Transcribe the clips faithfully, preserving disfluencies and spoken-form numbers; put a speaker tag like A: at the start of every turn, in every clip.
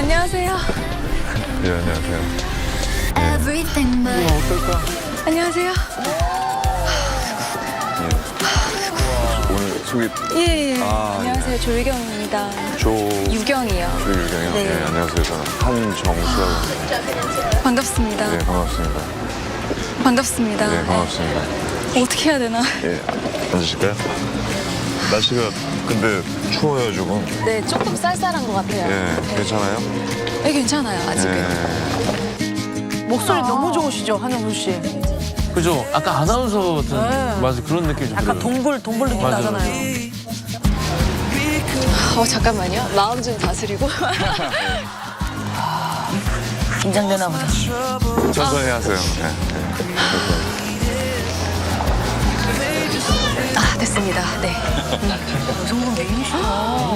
A: 안녕하세요.
B: 예, 안녕하세요.
C: Everything but
B: 어떨까?
A: 안녕하세요.
B: 예. 오늘 소개
A: 예, 예.
B: 아,
A: 안녕하세요. 조유경입니다.
B: 조...
A: 유경이요.
B: 조유경이요?
A: 네.
B: 예, 안녕하세요. 저는 한정수라고 합니다.
A: 반갑습니다.
B: 예, 반갑습니다.
A: 반갑습니다.
B: 예, 반갑습니다.
A: 네. 어떻게 해야 되나?
B: 예, 앉으실까요? 날씨가 근데 추워요, 조금.
A: 네, 조금 쌀쌀한 것 같아요.
B: 예,
A: 네.
B: 괜찮아요?
A: 네, 괜찮아요. 아직은.
B: 예.
D: 목소리 너무 좋으시죠, 한영수 씨?
E: 그죠? 아까 아나운서 같은
D: 네.
E: 맞아 그런 느낌이 좀
D: 약간
E: 들어요.
D: 동굴, 동굴 느낌
E: 맞아,
D: 나잖아요.
A: 어, 잠깐만요. 마음 좀 다스리고.
D: 긴장되나 보다.
B: 천천히 하세요. 예, 예.
A: 아, 됐습니다. 네.
D: 여성분 메인이시구나.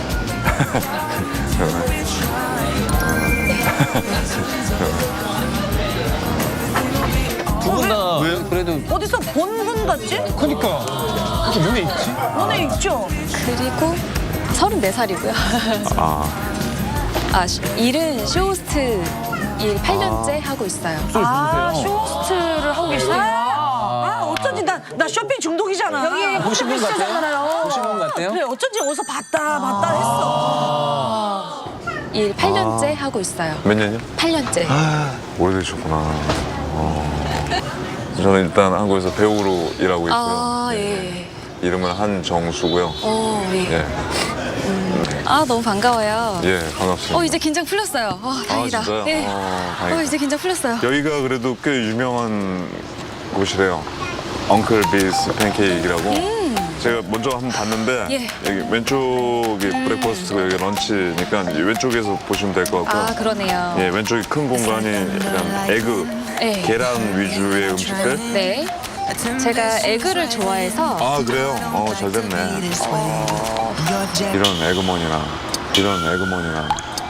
E: 두 분 다 그래도
D: 어디서 본 분 같지?
E: 그니까 이렇게 눈에 있지?
D: 눈에 있죠?
A: 그리고 서른네 살이고요.
B: 아,
A: 아, 시- 일은 쇼호스트 일 팔 년째 하고 있어요.
D: 아, 쇼호스트를 하고 계시네요. 아, 어쩐지 나, 나 쇼핑 중독이잖아. 여기
E: 보신 분 같아요?
D: 시잖아요.
E: 보신 분 같아요?
D: 그래, 어쩐지 어디서 봤다, 봤다 했어.
A: 일 팔 년째 하고 있어요.
B: 몇 년이요?
A: 팔 년째.
B: 아, 오래되셨구나. 어. 저는 일단 한국에서 배우로 일하고 있고요.
A: 아, 예.
B: 이름은 한정수고요.
A: 어, 예.
B: 예,
A: 아, 너무 반가워요.
B: 예, 반갑습니다.
A: 어, 이제 긴장 풀렸어요. 어, 다행이다.
B: 아, 진짜요?
A: 예.
B: 어, 다행이다.
A: 어, 이제 긴장 풀렸어요.
B: 여기가 그래도 꽤 유명한 곳이래요. 엉클 비스 팬케이크라고. 제가 먼저 한번 봤는데
A: 예.
B: 여기 왼쪽이 브레이퍼스트고 여기 런치니까 이 왼쪽에서 보시면 될 것 같고.
A: 아, 그러네요.
B: 예, 왼쪽이 큰 공간이 약간 에그,
A: 네.
B: 계란 위주의 음식들.
A: 네. 제가 에그를 좋아해서
B: 아, 그래요? 어, 잘 됐네. 어, 이런 에그머니나 이런 에그머니나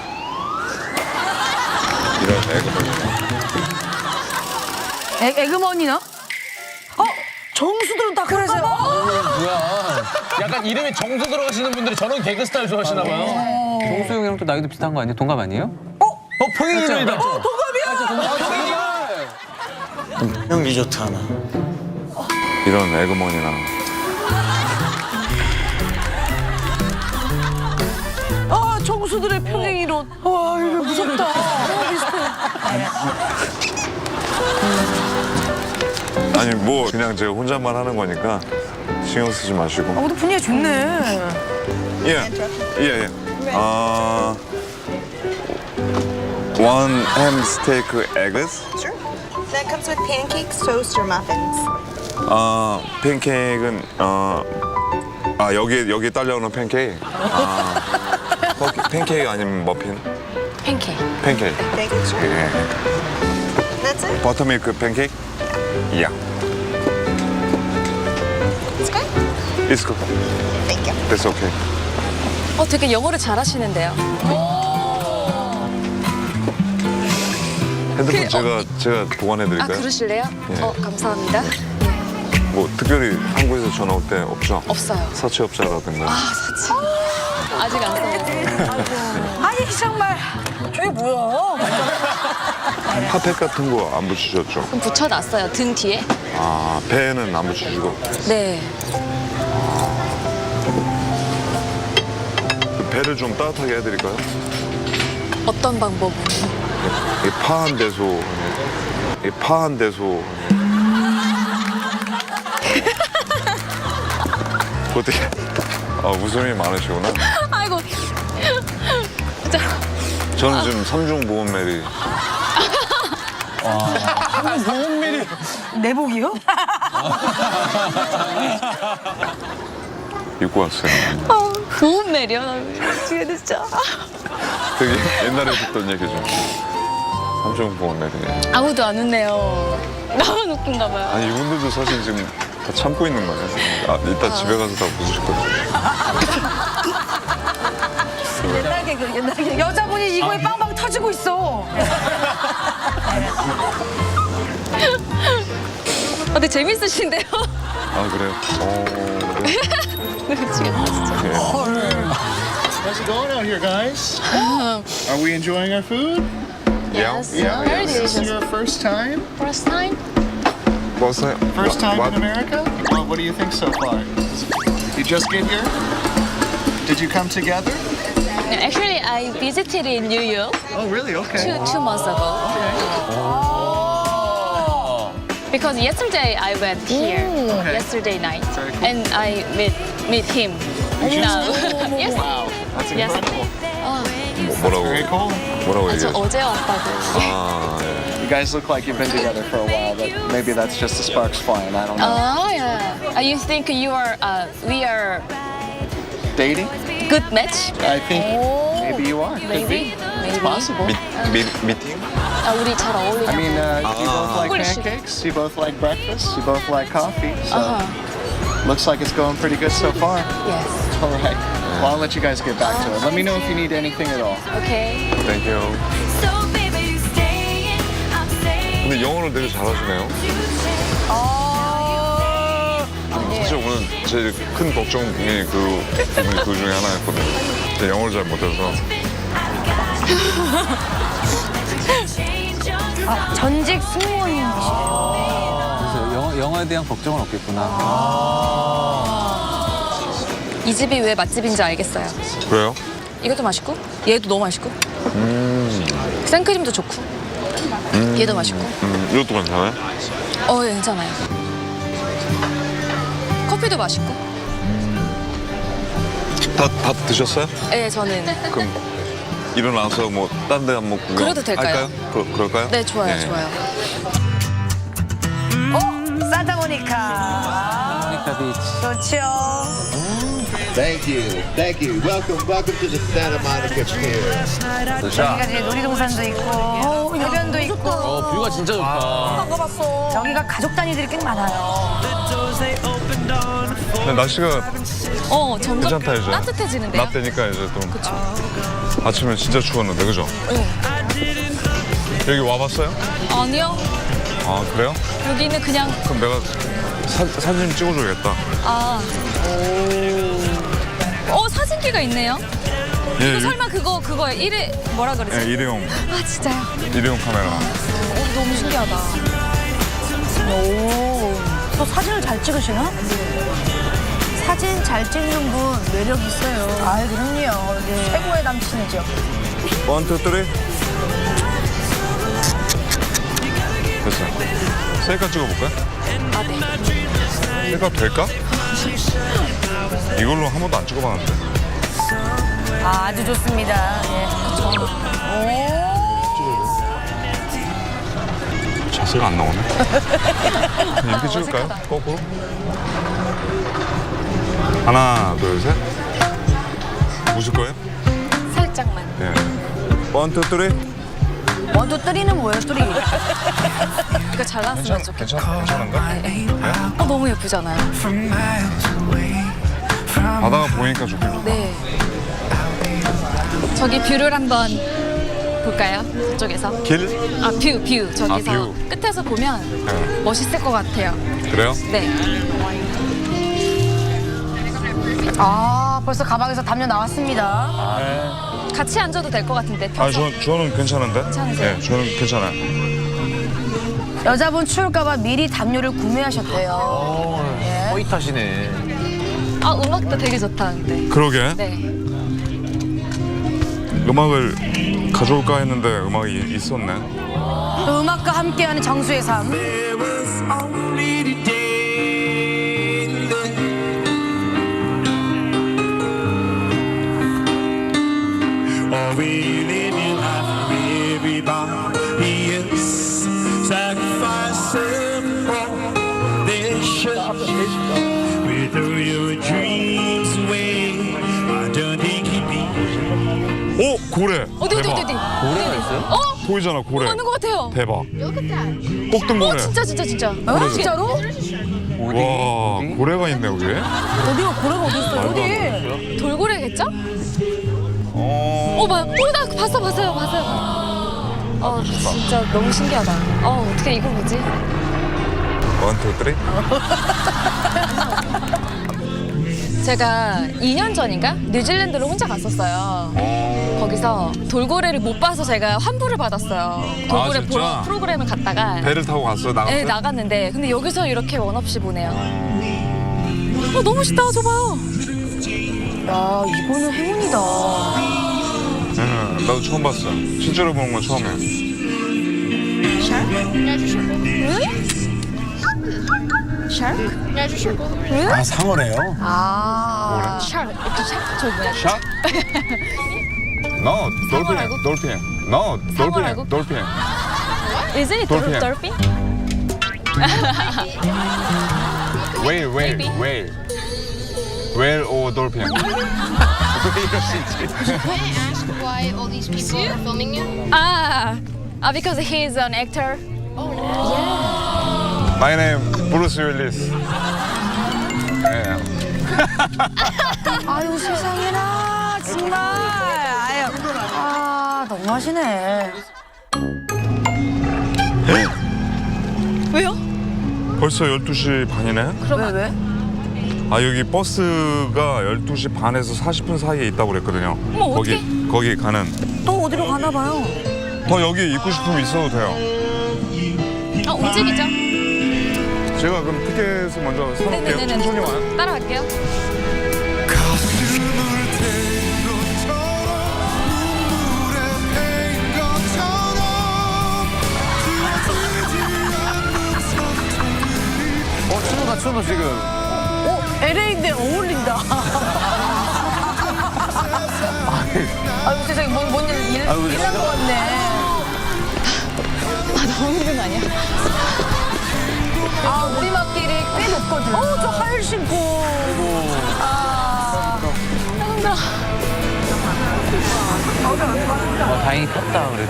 B: 이런 에그머니나.
D: 에, 에그머니나? 어? 정수들은 다 그러세요.
E: 뭐야? 약간 이름에 정수 들어가시는 분들이 저런 개그 스타일 좋아하시나 봐요.
F: 정수 형이랑 또 나이도 비슷한 거 아니에요? 동갑 아니에요?
E: 어, 평일이다.
D: 어, 동갑이야!
G: 형 리조트 하나.
B: 이런 에그머니나.
D: 아, 정수들의 평행 이론. 와, 이거 무섭다. 너무 비슷해.
B: 아니 뭐 그냥 제가 혼잣말 하는 거니까 신경 쓰지 마시고.
D: 아, 근데 분위기 좋네.
B: 예, 예, 예. 아, one ham steak eggs.
H: Sure. That comes with pancakes, toast, or muffins.
B: 아, 팬케이크는 어, 아 여기 여기 딸려오는 팬케이크. 아, 퍼- 팬케이크 아니면 머핀?
A: 팬케이크.
B: 팬케이크.
H: Pancakes, sure.
B: 예.
H: That's it.
B: 버터밀크 팬케이크? 야.
H: It's good.
B: It's good.
H: Thank you.
B: That's okay.
A: 어, 되게 영어를 잘하시는데요.
B: 핸드폰
A: 그,
B: 제가 제가 보관해
A: 아,
B: 드릴까요?
A: 그러실래요?
B: 예.
A: 어, 감사합니다.
B: 뭐 특별히 한국에서 전화 올 때 없죠?
A: 없어요.
B: 사채업자라든가.
A: 아, 사치. 아직 안 써봤어요.
D: 아니, 정말. 저게 뭐야?
B: 핫팩 같은 거 안 붙이셨죠?
A: 그럼 붙여놨어요. 등 뒤에.
B: 아, 배에는 안 붙이시고.
A: 네.
B: 배를 좀 따뜻하게 해드릴까요?
A: 어떤 방법으로?
B: 이 파한 대소. 이 파한 대소. 어떻게? 아, 웃음이 많으시구나.
A: 아이고. 진짜.
B: 저는 지금 삼중 보험메리.
D: 내복이요?
B: 입고 왔어요.
A: 아, 좋은 내려. 나 미치겠네, 진짜.
B: 되게 옛날에 듣던 얘기죠. 삼중 보험메리.
A: 아무도 안 웃네요. 나만 웃긴가 봐요.
B: 아니, 이분들도 사실 지금 다 참고 있는 거예요. 아, 이따 집에 가서 다 웃으실 거예요.
D: 옛날 개그, 옛날 개그. 여자분이 이거에 빵빵 터지고 있어.
A: 아, 근데 재밌으신데요?
B: 아, 그래요? 어, 네.
A: 미치겠다, 진짜.
B: 네.
I: going out here, guys? Are we enjoying our food?
A: Yes.
B: Yeah.
A: Very
I: Is this
A: delicious.
I: your first time?
A: First time?
B: What's that?
I: First time
B: what?
I: in America? Well, what do you think so far? You just get here? Did you come together?
A: Actually, I visited in New York
I: Oh, really? Okay.
A: two, two months ago. Because yesterday I went here,
I: Okay.
A: yesterday night,
I: Very cool.
A: and I met meet him now. yes.
I: Wow, that's
A: Yes.
I: incredible.
B: 뭐라고?
I: Very cool.
B: 뭐라고
A: 저
B: 얘기했어?
A: 어제 왔다고.
B: 아, 예.
I: You guys look like you've been together for a while, but maybe that's just the sparks flying. I don't know.
A: Oh yeah. Uh, you think you are? Uh, we are
I: Dating?
A: good match?
I: I think maybe you are. Could
A: Maybe.
I: be.
A: Maybe.
I: Possible.
B: 미, 미, 미팅?
A: 아, 우리 잘 어울리냐?
I: I mean, uh, you both like
A: Holy shit.
I: pancakes. You both like breakfast. You both like coffee. So
A: Uh-huh.
I: looks like it's going pretty good so far.
A: Yes.
I: All right. Well, I'll let you guys get back to it. Let me know if you need anything at all.
A: Okay.
B: Thank you.
C: So baby, you staying, I'm staying.
B: 근데 영어를 되게 잘하시네요. 사실 오늘 제일 큰 걱정이 그 부분이 그 중에 하나였거든요. 제가 영어를 잘 못해서.
D: 아, 전직 승무원이시래요.
F: 그래서 영어, 영어에 대한 걱정은 없겠구나.
A: 이 집이 왜 맛집인지 알겠어요.
B: 그래요?
A: 이것도 맛있고, 얘도 너무 맛있고, 생크림도 좋고, 얘도 맛있고.
B: 음, 이것도 괜찮아요?
A: 어, 예, 괜찮아요. 커피도 맛있고.
B: 다, 다 드셨어요?
A: 네, 저는.
B: 그럼 일어나서 뭐 딴 데 한번 구경
A: 그래도 될까요?
B: 할까요? 그, 그럴까요?
A: 네, 좋아요,
B: 네.
A: 좋아요.
D: 어, 산타모니카.
F: 모니카 비치.
D: 좋죠.
J: Thank you, thank you. Welcome, welcome to the Santa Monica Pier.
D: 여기가 이제 놀이동산도 있고, 해변도 있고.
E: 어, 뷰가 진짜 좋다.
D: 여기가 가족 단위들이 꽤 많아요.
B: 근데 날씨가
A: 어, 점점
B: 괜찮다 이제.
A: 따뜻해지는데요?
B: 낮 되니까 이제 또. 아침에 진짜 추웠는데 그죠?
A: 네.
B: 여기 와봤어요?
A: 아니요.
B: 아 그래요?
A: 여기는 그냥,
B: 그럼 내가 사, 사진 찍어줘야겠다.
A: 아. 어, 사진기가 있네요.
B: 예,
A: 이거 설마 그거, 그거 일회, 뭐라 그러지?
B: 예, 일회용
A: 아, 진짜요?
B: 일회용 카메라.
A: 어, 너무 신기하다.
D: 오, 또 사진을 잘 찍으시나? 사진 잘 찍는 분 매력 있어요. 아, 그럼요. 네. 최고의 남친이죠.
B: 원, 투, 쓰리. 됐어요. 셀카 찍어볼까요?
A: 아, 네.
B: 셀카 될까? 이걸로 한 번도 안 찍어봤는데.
D: 아, 아주 좋습니다. 예.
B: 자세가 안 나오네. 그냥 이렇게 찍을까요?
A: 어색하다.
B: 거꾸로? 하나, 둘, 셋. 웃을 거예요?
A: 살짝만.
B: 예. 원, 투, 쓰리.
D: 원투 쓰리는 뭐예요, 쓰리?
A: 이거 잘 나왔으면 좋겠다.
B: 괜찮, 괜찮은가? 네?
A: 어, 너무 예쁘잖아요.
B: 바다가 보이니까 좋긴 좋다.
A: 네. 저기 뷰를 한번 볼까요? 저쪽에서.
B: 길?
A: 아, 뷰, 뷰. 저기서
B: 아, 뷰.
A: 끝에서 보면
B: 네.
A: 멋있을 것 같아요.
B: 그래요?
A: 네.
D: 아, 벌써 가방에서 담요 나왔습니다.
A: 같이 앉아도 될 것 같은데.
B: 아,
A: 펴서.
B: 저, 저는 괜찮은데?
A: 괜찮으세요?
B: 네, 저는 괜찮아요.
D: 여자분 추울까봐 미리 담요를 구매하셨대요.
E: 호이타시네.
A: 아, 음악도 되게 좋다, 근데.
B: 그러게.
A: 네.
B: 음악을 가져올까 했는데 음악이 이- 있었네.
D: 또 음악과 함께하는 정수의 삶.
B: 오! 고래!
A: 어디, 어디,
B: 대박.
A: 어디, 어디.
E: 고래가 있어요?
A: 어?
B: 보이잖아, 고래.
A: 맞는 것 같아요.
B: 대박. 꼭등고래.
A: 어, 진짜, 진짜, 진짜.
D: 어, 진짜로?
B: 와, 고래가 있네, 여기.
D: 어디가 고래가 어디 있어요? 어디?
A: 돌고래겠죠?
B: 어.
A: 어, 봐. 어, 나 봤어, 봤어요, 봤어요. 어, 진짜 너무 신기하다. 어, 어떻게 이걸 보지?
B: 원, 투, 쓰리.
A: 제가 이 년 전인가 뉴질랜드를 혼자 갔었어요. 거기서 돌고래를 못 봐서 제가 환불을 받았어요. 돌고래
B: 아, 진짜?
A: 보러 프로그램을 갔다가
B: 배를 타고 갔어 나갔어?
A: 네, 나갔는데 근데 여기서 이렇게 원 없이 보네요. 어, 너무 멋있다. 저 봐요.
D: 야, 이거는 행운이다.
B: 응, 나도 처음 봤어. 실제로 보는 건 처음이야.
G: 아, 상어래요?
D: 아.
A: 샤르. 샤르. 저 뭐야?
B: 샷? No, 돌핀,
A: 말고?
B: 돌핀. No,
A: 상어 말고?
B: 돌핀, 돌핀.
A: Is it
B: 돌핀.
A: dolphin?
B: Whale, whale,
A: Maybe.
B: whale. Whale or dolphin. 왜 이러시지?
K: Why all these people are filming you?
A: Ah, uh, because he's an actor.
B: My name Bruce Willis. 네.
D: 아유, 세상에나. 정말. 아유. 아, 너무하시네.
A: 왜요?
B: 벌써 열두 시 반이네?
D: 왜, 왜?
B: 아 여기 버스가 열두 시 반에서 사십 분 사이에 있다고 그랬거든요.
A: 어머,
B: 거기 거기 가는.
D: 또 어디로 가나 봐요.
B: 더 여기 있고 싶으면 있어도 돼요.
A: 어, 움직이죠.
B: 제가 그럼 티켓을 먼저 사놓을게요.
A: 네네네네.
B: 천천히 와요.
A: 따라갈게요.
E: 어, 춘우가 춘우 지금.
D: 어, 엘에이인데 어울린다. 아유, 세상에, 뭔, 뭔 일, 일,
E: 아유,
D: 일난 것 같네.
A: 아, 너무 힘든 거 아니야?
D: 아, 우리막길이 꽤 높거든. 어, 저 하일 신고. 아.
A: 힘들어.
F: 어, 다행히 폈다 그래도.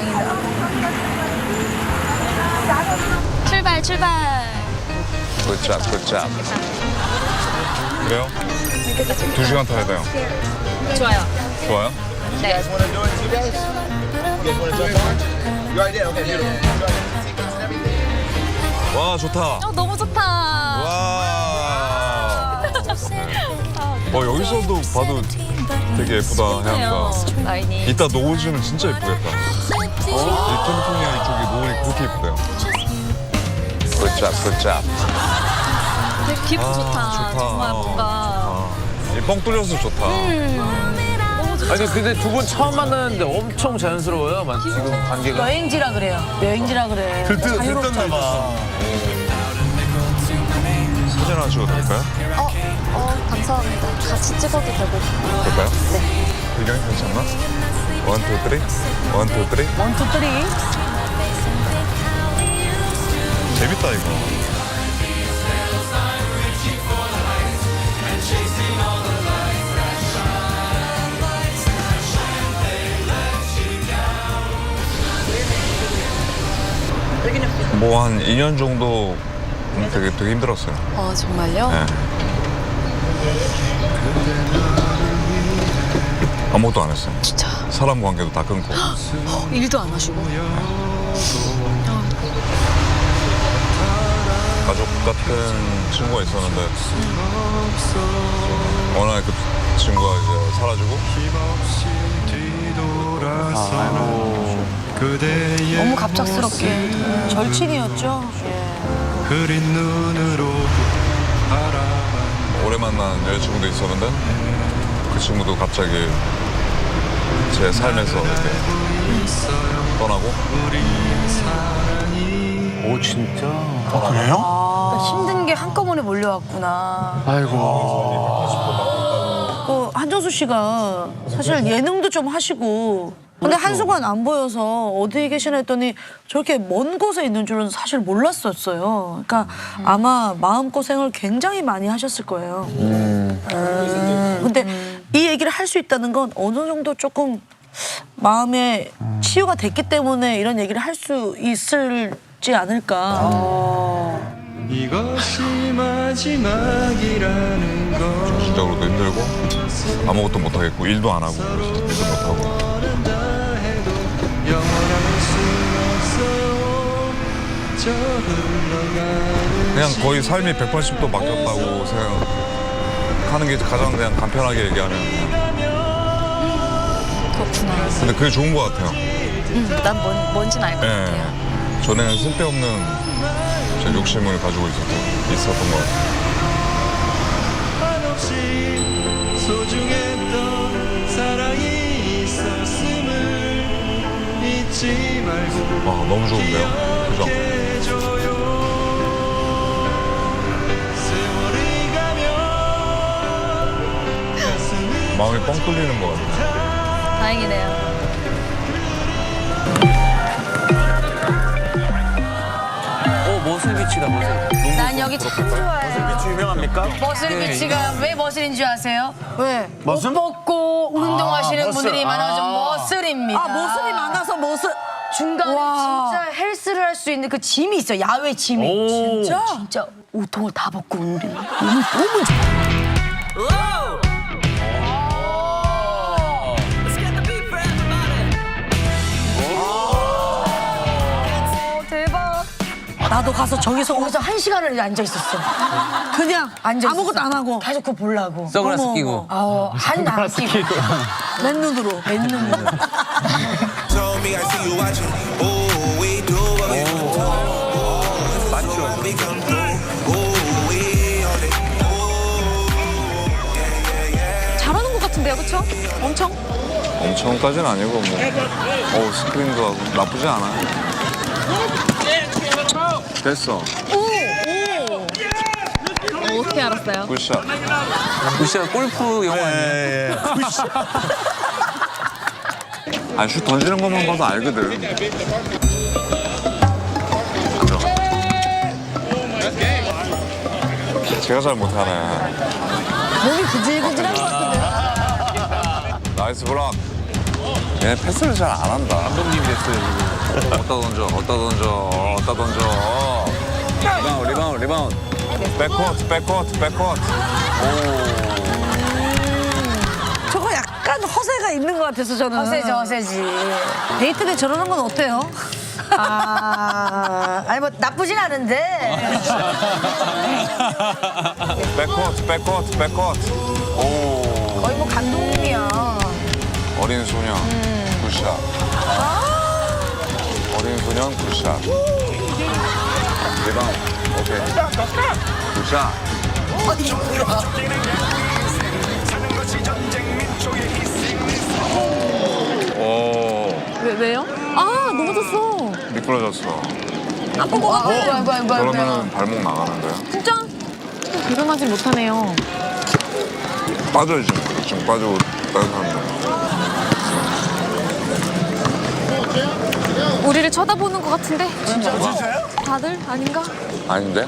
A: 출발, 출발.
B: 굿잡, 굿잡. 그래요? 두 시간 타야 돼요.
A: 좋아요.
B: 좋아요?
A: 네.
B: 와 좋다.
A: 어, 너무 좋다.
B: 와. 어 여기서도 봐도 되게 예쁘다 해안가.
A: 라인이.
B: 이따 노을 지면 진짜 예쁘겠다. 이 캘리포니아 이쪽이 노을이 그렇게 예쁘대요. 굿잡, 굿잡.
A: 되게 기분
B: 아,
A: 좋다.
B: 좋다.
A: 정말 뭔가.
B: 이 뻥 뚫려서 좋다.
E: 아니, 근데 두 분 처음 만났는데 엄청 자연스러워요. 만- 지금 관계가.
D: 여행지라 그래요. 여행지라 그래.
B: 들뜬,
D: 자유롭죠.
B: 들떴나 봐. 사진 하나 찍어도 될까요?
A: 어, 어, 감사합니다. 같이 찍어도 되고.
B: 될까요? 네. 배경이 괜찮나? 원, 투, 쓰리. 원, 투, 쓰리.
D: 원, 투, 쓰리.
B: 재밌다, 이거. 뭐 한 이 년 정도 되게 되게 힘들었어요.
A: 아, 정말요?
B: 네. 아무것도 안 했어요.
A: 진짜.
B: 사람 관계도 다 끊고.
A: 어, 일도 안 하시고.
B: 가족 같은 친구가 있었는데 어느 날 그 친구가 이제 사라지고.
D: 너무 갑작스럽게. 절친이었죠.
B: 오래 만난 여자친구도 있었는데 그 친구도 갑자기 제 삶에서 이렇게 떠나고.
F: 오 진짜.
G: 그래요?
D: 그러니까 힘든 게 한꺼번에 몰려왔구나.
F: 아이고.
D: 그 한정수 씨가 사실 예능도 좀 하시고 근데 한순간 안 보여서 어디 계시나 했더니 저렇게 먼 곳에 있는 줄은 사실 몰랐었어요. 그러니까 아마 마음고생을 굉장히 많이 하셨을 거예요. 음. 근데 이 얘기를 할 수 있다는 건 어느 정도 조금 마음에 치유가 됐기 때문에 이런 얘기를 할 수 있을지 않을까.
L: 이것이 마지막이라는 걸
B: 정신적으로도 힘들고 아무것도 못하겠고 일도 안 하고 일도 못하고 그냥 거의 삶이 백팔십 도 바뀌었다고 생각 하는 게 가장 그냥 간편하게 얘기하면.
A: 그렇구나.
B: 근데 그게 좋은 것 같아요.
A: 음, 난 뭔, 뭔진 알 것
B: 예.
A: 같아요.
B: 전에는 쓸데없는 제 욕심을 가지고 있었던, 있었던 것 같아요. 와, 너무 좋은데요? 그죠? 마음이 뻥 뚫리는 것 같아요.
A: 다행이네요.
F: 어, 머슬비치다, 머슬.
D: 난 여기 참 좋아해요.
G: 비치 유명합니까?
D: 머슬
F: 네,
D: 비치가 왜 머슬인 줄 아세요? 왜?
G: 머슬?
D: 옷 벗고 운동하시는
G: 머슬.
D: 분들이 많아서
G: 아.
D: 머슬입니다.
L: 아, 모습이 많아서 모습.
D: 중간에
L: 와.
D: 진짜 헬스를 할 수 있는 그 짐이 있어. 야외 짐이.
E: 오.
D: 진짜? 진짜 옷통을 다 벗고 오는데 너무 너무 좋아.
A: 대박.
L: 나도 가서 저기서
D: 거기서 한 시간을 앉아 있었어.
L: 그냥
D: 앉아
L: 아무것도 안 하고
D: 계속 그거 보려고.
F: 선글라스
L: 어머,
F: 끼고.
D: 어, 한안 끼고.
L: 맨눈으로.
D: 맨눈으로.
A: 잘하는 것 같은데요, 그쵸? 엄청?
B: 엄청까지는 아니고 뭐. 어우, 스크린도 하고 나쁘지 않아. 됐어.
A: 오! 오! 어, 어떻게 알았어요?
B: 굿샷.
F: 루시아 골프 영화 아니에요?
B: 아, 슛 던지는 것만 봐도 알거든. 안 들어가. 제가 잘 못하네.
L: 몸이 근질근질한 것 같은데.
B: 나이스 블락. 얘 패스를 잘 안 한다.
E: 감독님 됐어요, 지금.
B: 어디다 던져, 어디다 던져, 어디다 던져.
F: 리바운드, 리바운드, 리바운드.
B: 백코트, 백코트, 백코트.
L: 저거 약간 허세가 있는 것 같아서 저는.
D: 허세지, 허세지.
L: 데이트 때 저러는 건 어때요?
D: 아, 아니 뭐 나쁘진 않은데.
B: 백코트, 백코트, 백코트. 오.
D: 거의 뭐 감독님이야.
B: 어린 소년, 굿샷. 어린 소년, 굿샷. 리바운드, 오케이. 굿샷. 오,
A: 왜, 왜요? 아, 넘어졌어.
B: 미끄러졌어.
A: 아픈 것 같아.
D: 아이고, 아이고, 아이고, 아이고.
B: 그러면은 발목 나가는데요?
A: 진짜? 일어나지 못하네요.
B: 빠져요, 지금. 지금 빠지고 다른 사람들.
A: 우리를 쳐다보는 것 같은데? 진짜?
G: 진짜요?
A: 다들? 아닌가?
B: 아닌데?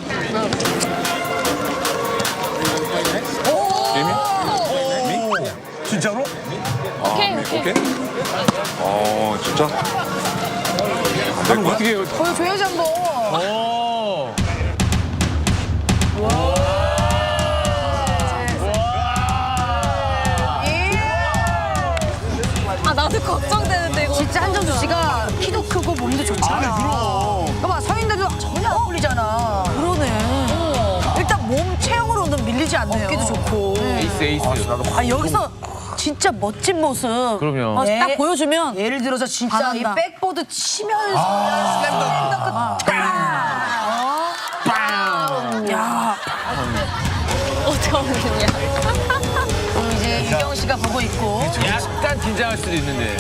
B: 이미?
G: 진짜로?
A: 오케이,
B: 아,
A: 오케이.
B: 오케이? 어, 진짜? 안 될 거야?
E: 어떻게 해요?
D: 보여줘야지 한번.
E: 오.
A: 아, 나도 걱정되는데, 이거.
D: 진짜 한정수 씨가 키도 크고 몸도 좋잖아.
G: 아니, 그럼.
D: 봐봐, 서 있는데도 전혀 안 풀리잖아.
L: 그러네. 일단 몸 체형으로는 밀리지 않네요.
D: 어깨도 좋고.
E: 에이스, 에이스.
L: 아, 여기서 진짜 멋진 모습.
E: 그럼요.
L: 어,
D: 예.
L: 딱 보여주면.
D: 예를 들어서 진짜 이
L: 반한다.
D: 백보드 치면서 아.
L: 야,
A: 어떻게 하면 되냐.
D: 그럼 이제 유경 씨가 보고 있고.
E: 약간 긴장할 수도 있는데.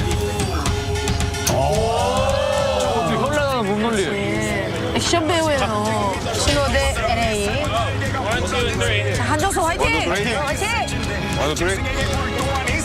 E: 어떻게 현란한 몸놀리.
L: 액션 배우예요.
D: 신호대 엘에이.
L: 자, 한정수 화이팅!
D: 화이팅!
B: 완전 드레이.